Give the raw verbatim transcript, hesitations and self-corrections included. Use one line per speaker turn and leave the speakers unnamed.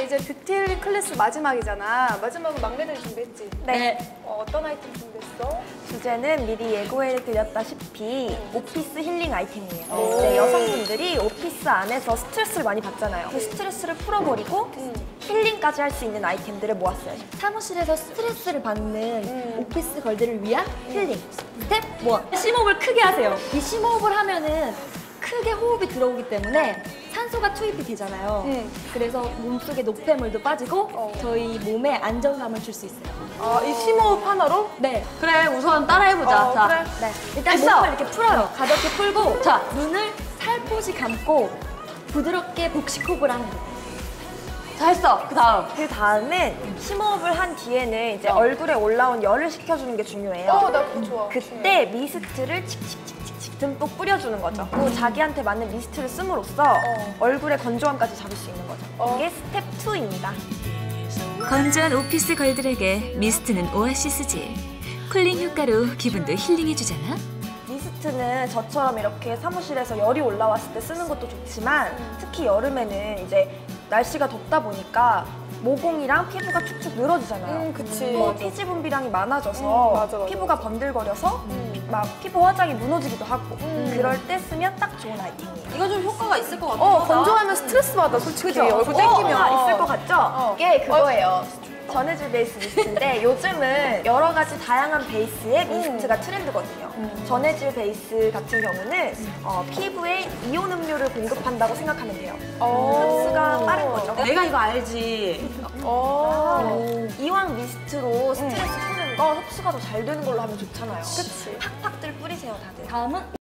이제 뷰티 클래스 마지막이잖아. 마지막은 막내들이 준비했지?
네.
어, 어떤 아이템 준비했어?
주제는 미리 예고해드렸다시피 오피스 힐링 아이템이에요.
오.
네, 여성분들이 오피스 안에서 스트레스를 많이 받잖아요. 그 스트레스를 풀어버리고
음.
힐링까지 할 수 있는 아이템들을 모았어요.
사무실에서 스트레스를 받는
음.
오피스 걸들을 위한 힐링. 스텝 일. 심호흡을 크게 하세요. 이 심호흡을 하면은 크게 호흡이 들어오기 때문에 산소가 투입이 되잖아요.
음.
그래서 몸속에 노폐물도 빠지고
어.
저희 몸에 안정감을 줄 수 있어요.
아, 이 심호흡 하나로?
네.
그래, 우선 따라해보자.
어,
자,
그래.
네. 일단
했어.
몸을 이렇게 풀어요. 가볍게 풀고 자, 눈을 살포시 감고 부드럽게 복식호흡을 하는 거예요.
자, 했어. 그 다음.
그 다음에 심호흡을 한 뒤에는 이제
어.
얼굴에 올라온 열을 식혀주는 게 중요해요.
어, 나 그거 좋아.
그때 미스트를 칙칙칙칙칙 듬뿍 뿌려주는 거죠. 또 자기한테 맞는 미스트를 씀으로써
어.
얼굴의 건조함까지 잡을 수 있는 거죠.
어.
이게 스텝 이입니다.
건조한 오피스 걸들에게 미스트는 오아시스지. 쿨링 효과로 기분도 힐링해주잖아.
미스트는 저처럼 이렇게 사무실에서 열이 올라왔을 때 쓰는 것도 좋지만 특히 여름에는 이제 날씨가 덥다 보니까 모공이랑 피부가 축축 늘어지잖아요.
음, 그치.
또 피지 분비량이 많아져서
음, 맞아, 맞아.
피부가 번들거려서
음.
막 피부 화장이 무너지기도 하고
음.
그럴 때 쓰면 딱 좋은 아이템이에요.
이거 좀 효과가 있을 것 같아.
어, 건조하면 스트레스 받아, 솔직히.
그죠?
얼굴
어,
땡기면.
아, 있을 것 같죠?
어.
이게 그거예요. 전해질 베이스 미스트인데 요즘은 여러 가지 다양한 베이스의 미스트가 트렌드거든요. 전해질 베이스 같은 경우는 어, 피부에 이온 음료를 공급한다고 생각하면 돼요.
어.
흡수가 빠른 거죠.
내가 이거 알지.
어.
이왕 미스트로 스트레스 푸는 거 흡수가 더 잘 되는 걸로 하면 좋잖아요.
그치.
팍팍들 뿌리세요, 다들.
다음은